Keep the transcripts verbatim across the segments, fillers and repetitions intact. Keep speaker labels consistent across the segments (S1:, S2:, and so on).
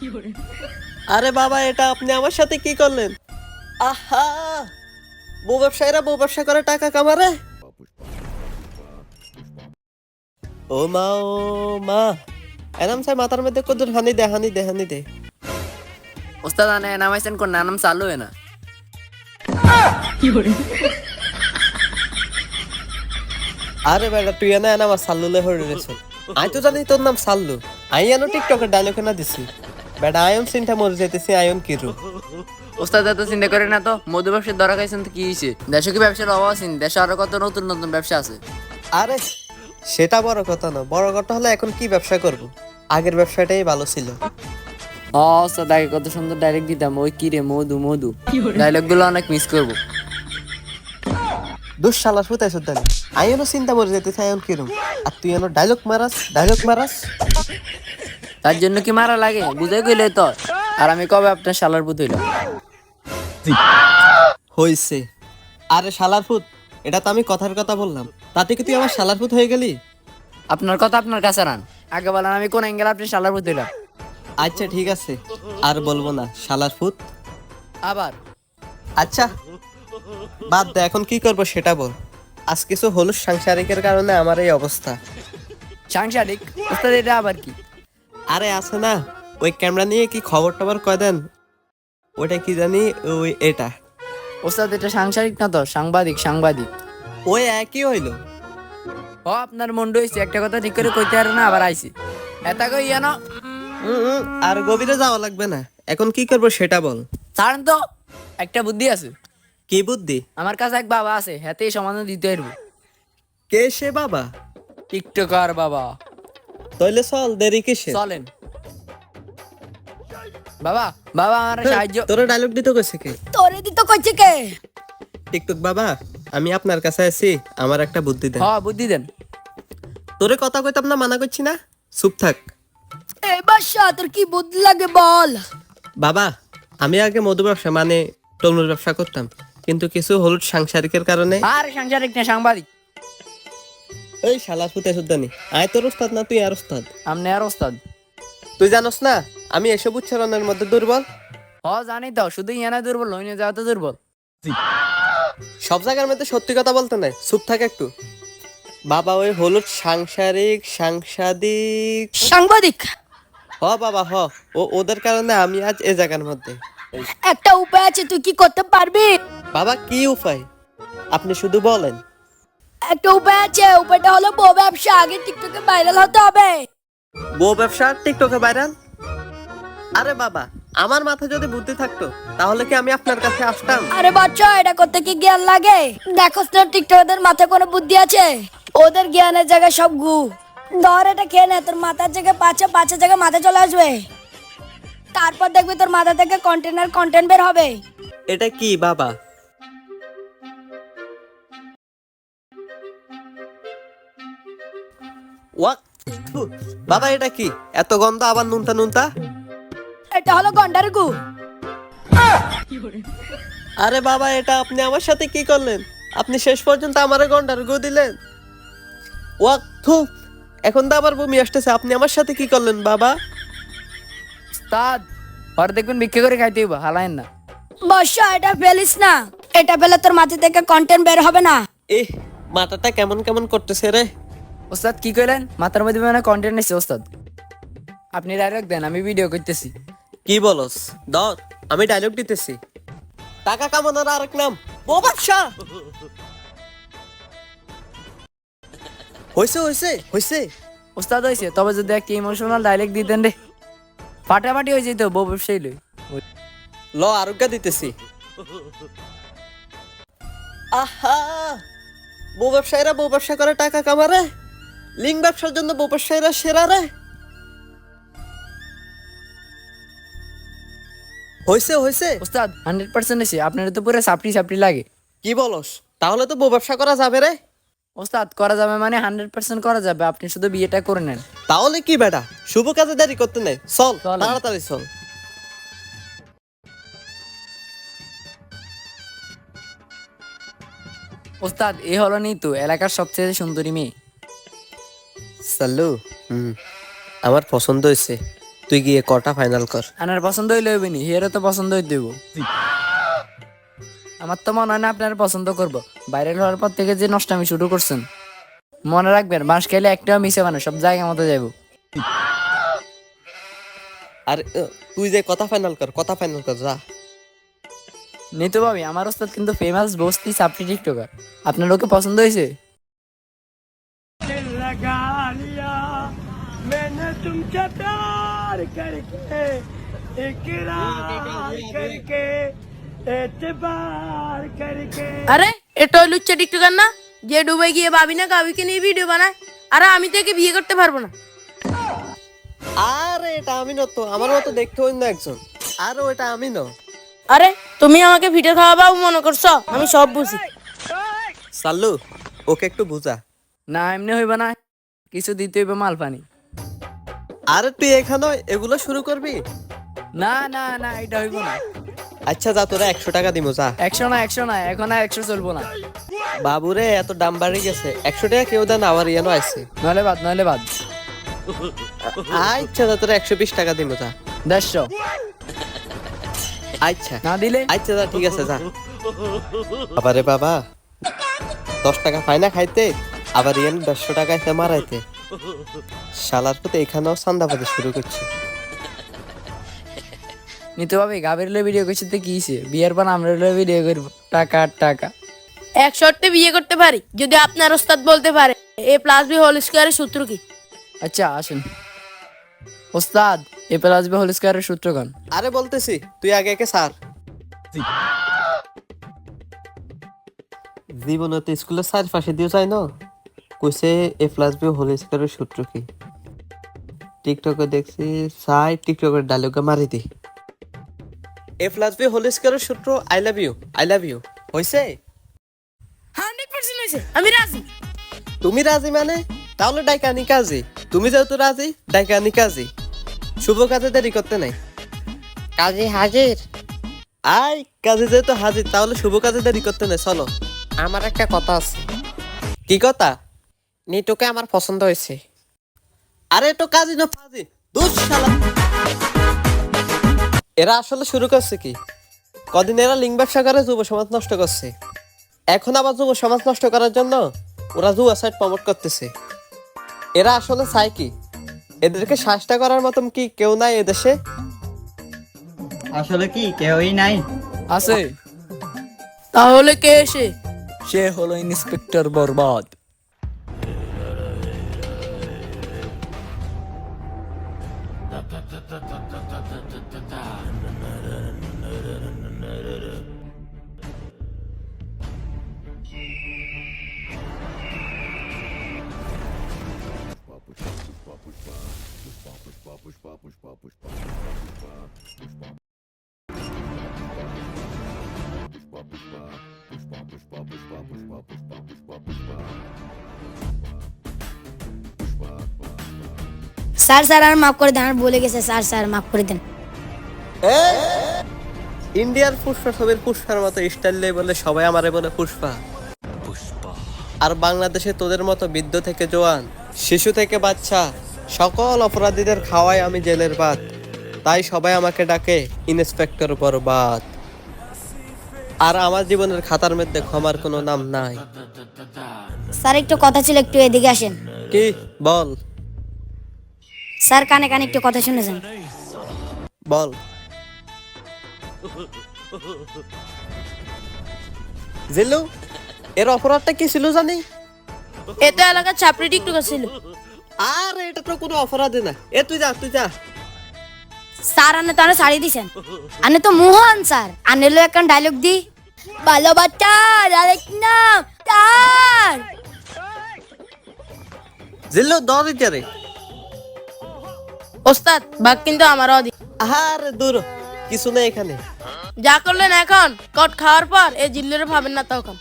S1: আরে বাবা, এটা আপনি আমার সাথে কি করলেন? আহা, বউ ব্যবসায়ীরা বউ ব্যবসা করে টাকা কামারে। ও মা, ও মা, এনাম সাই মাথার মধ্যে কদুর হানি দে, হানি দে, হানি দে।
S2: ওস্তাদ আনে নামাইছেন কোন নাম চালু হয় না।
S1: আরে বেটা, তুই এনে এনে আমার সাল্লুলে হয়ে রেছো। আই তো জানি তোর নাম সাল্লু। আই এনো টিকটকের ডায়লগ না দিছি। বেটা আয়ন সিনটা মরে যাইতেছি, আয়ন কিরু।
S2: ওস্তাদ এত চিন্তা করে না তো, মধু ব্যবসার ধরা খাইছেন তো কি হয়েছে? দেশে কি ব্যবসার অভাব আছে? দেশে আরো কত নতুন নতুন ব্যবসা আছে।
S1: আরে সেটা বড় কথা না, বড় কথা হলো এখন কি ব্যবসা করব। আগের ব্যবসাটাই ভালো ছিল।
S2: ও ওস্তাদ আগে কত সুন্দর ডাইরেক্ট দিতাম, ওই কি রে মধু মধু, ডায়লগ গুলো অনেক মিস করবো।
S1: দুঃশালা সুতাই সুতানি, আয়নও চিন্তা মরে যাইতেছে, আয়ন কিরম। আর তুই এনো ডায়লগ মারাস, ডায়লগ মারাস।
S2: তার জন্য কি মারা লাগে? বুঝাই কইলে তো। আর আমি কবে আপনার শালার পুত হইলাম?
S1: হইছে। আরে শালার ফুত, এটা তো আমি কথার কথা বললাম, তাতে কি তুই আমার শালার ফুত হয়ে গেলি?
S2: আপনার কথা আপনার কাছে রান, আগে বলেন আমি কোন অ্যাঙ্গেল আপনার শালার পুত হইলাম।
S1: আচ্ছা ঠিক আছে, আর বলবো না শালার ফুত।
S2: আবার
S1: আচ্ছা বাদ দে, এখন কি করবো সেটা বল। আজ কিছু হলুদ সাংসারিকের কারণে আমার এই অবস্থা।
S2: সাংসারিক? ওস্তাদ এটা আবার কি?
S1: আরে আছে না, ওই ক্যামেরা নিয়ে কি খবর টবর কয় দেন, ওইটা কি জানি, ওই এটা।
S2: ওস্তাদ এটা সাংসারিক না তো, সাংবাদিক সাংবাদিক।
S1: ওই একই হইলো।
S2: ও আপনার মন্ড হয়েছে, একটা কথা ঠিক করে কইতে পারে না, আবার আইছি এতা কই জানো।
S1: উম, উম, আর গভীরে যাওয়া লাগবে না, এখন কি করবো সেটা বল।
S2: ছাড়েন তো, একটা বুদ্ধি আছে
S1: কি বুদ্ধি?
S2: আমার কাছে। এক বাবা আছে, হাতে সমাধান দিতে পারবো।
S1: কে সে বাবা?
S2: টিকটকার বাবা।
S1: তাইলে চল, দেরি কিসে?
S2: চলেন বাবা। বাবা আমার সাহায্য।
S1: তোরা ডায়লগ দিতে কইছে কে?
S3: তোরে দিত কইছে কে?
S1: টিকটক বাবা, আমি আপনার কাছে আছি, আমার একটা বুদ্ধি দেন।
S2: হ বুদ্ধি দেন।
S1: তোরে কথা কইতাম না, মানা করছি না, চুপ থাক।
S3: এই বাদশা, তোর কি বুদ্ধি লাগে বল?
S1: বাবা, আমি আগে মধু ব্যবসা মানে তরমুজ ব্যবসা করতাম, কিন্তু কিছু হলুদ সাংসারিকের কারণে।
S2: আর সাংসারিক না সাংবাদিক।
S1: এই শালা ফুতে সুদ্দানি, আয় তোর ওস্তাদ না তুই আর ওস্তাদ?
S2: আমনে আর ওস্তাদ।
S1: তুই জানোস না আমি এসব উচ্চারণের মধ্যে দুর্বল।
S2: হ জানি তো, শুধু ইয়ানা দুর্বল, হইনে যাওয়া তো দুর্বল।
S1: সব জায়গার মধ্যে সত্যি কথা বলতে নাই, চুপ থাক একটু। বাবা, ওই হলুদ সাংসারিক সাংসাদিক।
S3: সাংবাদিক?
S1: হ বাবা হ, ও ওদের কারণে আমি আজ এ জায়গার মধ্যে।
S3: একটা উপায় আছে, তুই কি করতে পারবি?
S1: বাবা কি উপায়, আপনি শুধু বলেন।
S3: একটা উপায় আছে, উপায়টা হলো বউ ব্যবসা। আগে টিকটকে ভাইরাল হতে হবে।
S1: বউ ব্যবসা টিকটকে ভাইরাল? আরে বাবা, আমার মাথায় যদি বুদ্ধি থাকতো তাহলে কি আমি আপনার কাছে আসতাম?
S3: আরে বাচ্চা, এটা করতে কি জ্ঞান লাগে? দেখোস না টিকটকারদের মাথায় কোনো বুদ্ধি আছে? ওদের জ্ঞানের জায়গায় সব গু। ধর এটা খেয়ে নে, তোর মাথার জায়গায় পাঁচে পাঁচের জায়গায় মাথায় চলে আসবে। তারপর দেখবি তোর মাথা থেকে কন্টেন্ট আর কন্টেন্ট বের হবে।
S1: এটা কি বাবা? ওয়াক, থু, বাবা এটা কি এত গন্ধ, আবার নুনতা নুনতা?
S3: এটা হলো গন্ডার গু।
S1: আরে বাবা, এটা আপনি আমার সাথে কি করলেন? আপনি শেষ পর্যন্ত আমারে গন্ডার গু দিলেন। ওয়াক, থু, এখন তো আবার বমি আসতেছে, আপনি আমার সাথে কি করলেন বাবা?
S2: ওস্তাদ আর দেখবেন ভিক্ষা করে খাইতে হইব, হালায়েন না।
S3: বর্ষা, এটা ফেলিস না। এটা ফেলে তোর মাথা থেকে কন্টেন্ট বের হবে না।
S1: এহ, মাথাটা কেমন কেমন করতেছে রে।
S2: ওস্তাদ কি কইলেন? মাথার মধ্যে মানে কন্টেন্ট আছে ওস্তাদ। আপনি ডাইরেক্ট দেন, আমি ভিডিও করতেছি।
S1: কি বলস? ধর, আমি ডায়লগ দিতেছি। টাকা কামানোর আরেক নাম বউ ব্যবসা। হইছে হইছে হইছে।
S2: ওস্তাদ হয়েছে, তবে যদি একটা ইমোশনাল ডাইরেক্ট দিতেন রে, ফাটাফাটি হয়ে যেত বউ ব্যবসায়ী লই।
S1: ল আরোগ্য দিতেছি। আহা, বউ ব্যবসায়ীরা বউ ব্যবসা করে টাকা কামারে। লিঙ্ক ব্যবসার জন্য বউ ব্যবসায়ীরা সেরা রে। হইছে হইছে।
S2: ওস্তাদ হান্ড্রেড পার্সেন্ট এসে আপনার তো পুরো সাপড়ি সাপড়ি লাগে।
S1: কি বলস? তাহলে তো বউ ব্যবসা করা যাবে রে।
S2: ওস্তাদ করা যাবে মানে হান্ড্রেড পার্সেন্ট করা যাবে, আপনি শুধু বিয়েটা করে নেন।
S1: তাহলে কি বেটা, শুভ কাজে দেরি করতে নেই, চল
S2: চলেন।
S1: তাড়াতাড়ি চল।
S2: ওস্তাদ এ হলো নিতু, এলাকার সবচেয়ে সুন্দরী মেয়ে।
S1: সাল্লু, হুম, আমার পছন্দ হয়েছে। তুই গিয়ে কটা ফাইনাল কর।
S2: আপনার পছন্দ হইলে হইবে নি, হেরও তো পছন্দ হইতে দেবো। আমার তো মনে হয় না আপনার পছন্দ করবো। ভাইরাল হওয়ার পর থেকে যে নষ্টামি শুরু করছেন, মনে রাখবেন বাঁশ খেলে একটাও মিশে মানে সব জায়গা মতো যাইব।
S1: আর আহ, তুই যে কথা ফাইনাল কর, কথা ফাইনাল কর যা।
S2: নিতু ভাবি, আমার ওস্তাদ কিন্তু ফেমাস বস্তি সাপটি টিকটকার। আপনার ওকে পছন্দ হয়েছে?
S4: আরে এটা ওই লুচ্চা টিকটকার না যে দুবাই গিয়ে ভাবি না কাবিকে নিয়ে ভিডিও বানায়? আরে আমি তো একে বিয়ে করতে পারবো না।
S1: আরে এটা আমি না তো, আমার মতো দেখতে অন্য একজন। আরে ওটা আমি না।
S4: আরে তুমি আমাকে ভিডিও খাওয়াবাও মনে করছো? আমি সব বুঝি।
S1: সাল্লু, ওকে একটু বুঝা।
S2: না এমনি হইব না, কিছু দিতে হইবে মাল পানি।
S1: আরে তুই এখানে এগুলো শুরু করবি?
S2: না না না, এটা হইব না।
S1: আচ্ছা যা, তোরা একশো টাকা দিব যা।
S2: একশো না একশো না, এখন আর একশো চলবো না।
S1: বাবুরে এত দাম বাড়ি গেছে, একশো টাকা কেউ দেন, আবার ইয়ানো আছে।
S2: নইলে বাদ, নইলে বাদ।
S1: আচ্ছা যা, তোরা একশো বিশ টাকা দিব যা।
S2: দেড়শো
S1: আচ্ছা
S2: না দিলে?
S1: আচ্ছা যা, ঠিক আছে যা। আবারে বাবা, দশ টাকা ফাইনা খাইতে, আবার ইয়ান দেড়শো টাকা এসে মারাইতে। শালার পুতে এখানেও সান্দাবাদে শুরু করছে।
S2: নিতু ভাবি, গাবের লে ভিডিও করছি তো কি হইছে? বিয়ের পর আমরা লে ভিডিও করবো, টাকা আর টাকা।
S4: এক শর্তে বিয়ে করতে পারি যদি আপনার ওস্তাদ বলতে পারে এ প্লাস বি হোল স্কয়ারের সূত্র কি।
S2: আচ্ছা আসেন ওস্তাদ, এ প্লাস বি হোল স্কয়ারের সূত্র গান।
S1: আরে বলতেছি, তুই আগে একে সার। জীবনে তো স্কুলের স্যার পাশে দিয়ে যায় না, কইছে এ প্লাস বি হোল স্কয়ারের সূত্র কি। টিকটকে দেখছি সাই, টিকটকের ডায়লগে মারি দি। এ প্লাস বি হোল স্কয়ারের সূত্র I love you, I love you হইছে।
S4: হান্ড্রেড পার্সেন্ট হয়েছে, আমি রাজি।
S1: তুমি রাজি মানে? তাহলে ডাইকানি কাজী। তুমি যেহেতু রাজি, ডাইকানি কাজী। শুভ কাজে দেরি করতে নাই। কাজী হাজির। আই কাজে যেহেতু হাজির, তাহলে শুভ কাজে দেরি করতে নাই, চলো। আমার একটা কথা আছে। কি কথা? নিটুকে আমার পছন্দ হয়েছে। আরে তো কাজী না ফাজি, দুস শালা। এরা আসলে শুরু করছে কি? কদিন এরা লিঙ্গ ব্যবসা করে যুব সমাজ নষ্ট করছে, এখন আবার যুব সমাজ নষ্ট করার জন্য ওরা জুয়া সাইট প্রমোট করতেছে। এরা আসলে চায় কি? এদেরকে শাস্তা করার মতন কি কেউ নাই এদেশে?
S5: আসলে কি কেউই নাই?
S2: আছে,
S4: তাহলে কে এসে?
S2: সে হলো ইন্সপেক্টর বরবাদ।
S3: স্যার স্যার আর মাফ করে দেন, আর বলে গেছে স্যার স্যার মাফ করে দেন।
S1: ইন্ডিয়ার পুষ্পা ছবির পুষ্পার মতো স্টাইল নেই বলে সবাই আমারে বলে পুষ্পা। আর বাংলাদেশে তোদের মতো বৃদ্ধ থেকে জোয়ান, শিশু থেকে বাচ্চা, সকল অপরাধীদের খাওয়াই আমি জেলের ভাত। তাই সবাই আমাকে ডাকে ইন্সপেক্টর বরবাদ। আর আমার জীবনের খাতার মধ্যে ক্ষমার কোনো নাম নাই।
S3: স্যার একটু কথা ছিল, একটু এদিকে আসেন।
S1: কি বল?
S3: স্যার কানে কানে একটু কথা শুনেছেন।
S1: বল। জিল্লু, এর অপরাধটা কি ছিল জানি?
S4: এ তো এলাকার ছাপড়ি টিকটকার ছিল।
S1: আর এটা তো কোনো অপরাধী না। এ তুই যা, তুই যা।
S3: স্যার আনে তো আনে শাড়ি দিছেন, আনে তো মোহন স্যার। আনে লো একটা ডায়লগ দি, ভালো বাচ্চার আরেক নাম তার।
S1: জিল্লু দৌড়ি যারে।
S4: ওস্তাদ বাঘ কিন্তু আমারও দি।
S1: আরে দূর, কিছু নেই এখানে।
S4: যা করলেন এখন কট খাওয়ার পর এই জিল্লুরে ভাবেন না তখন।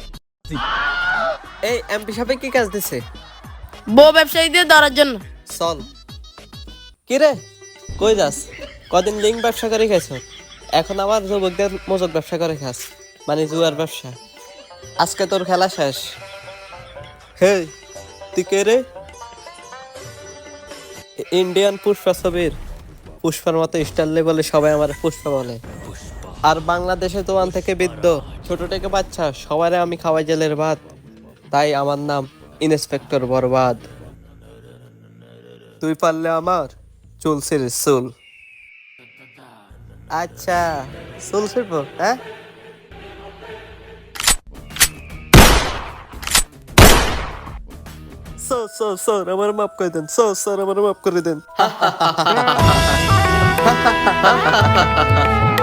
S1: এই এমপি সাহেব কি কাজ দিছে?
S4: বউ ব্যবসায়ীদের ধরার জন্য।
S1: চল। কি রে, কই যাস? কদিন লিঙ্ক ব্যবসা করে খাইছ, এখন আবার যুবকদের মজক ব্যবসা করে খাস, মানে জুয়ার ব্যবসা। আজকে তোর খেলা শেষ। হে তুই কে রে? ইন্ডিয়ান পুষ্পা ছবির পুষ্পার মতো স্টার লেভেলে সবাই আমার পুষ্পা বলে। আর বাংলাদেশে তো ওয়ান থেকে বৃদ্ধ ছোট থেকে বাচ্চা সবারে আমি খাওয়াই জেলের ভাত, তাই আমার নাম ইন্সপেক্টর বরবাদ। তুই পারলে আমার চুল ছিঁড়িস চুল। আচ্ছা চুল ছিঁড়বো, হ্যাঁ? স্যার স্যার স্যার আমার মাফ করে দেন, স্যার স্যার আমার মাফ করে দেন।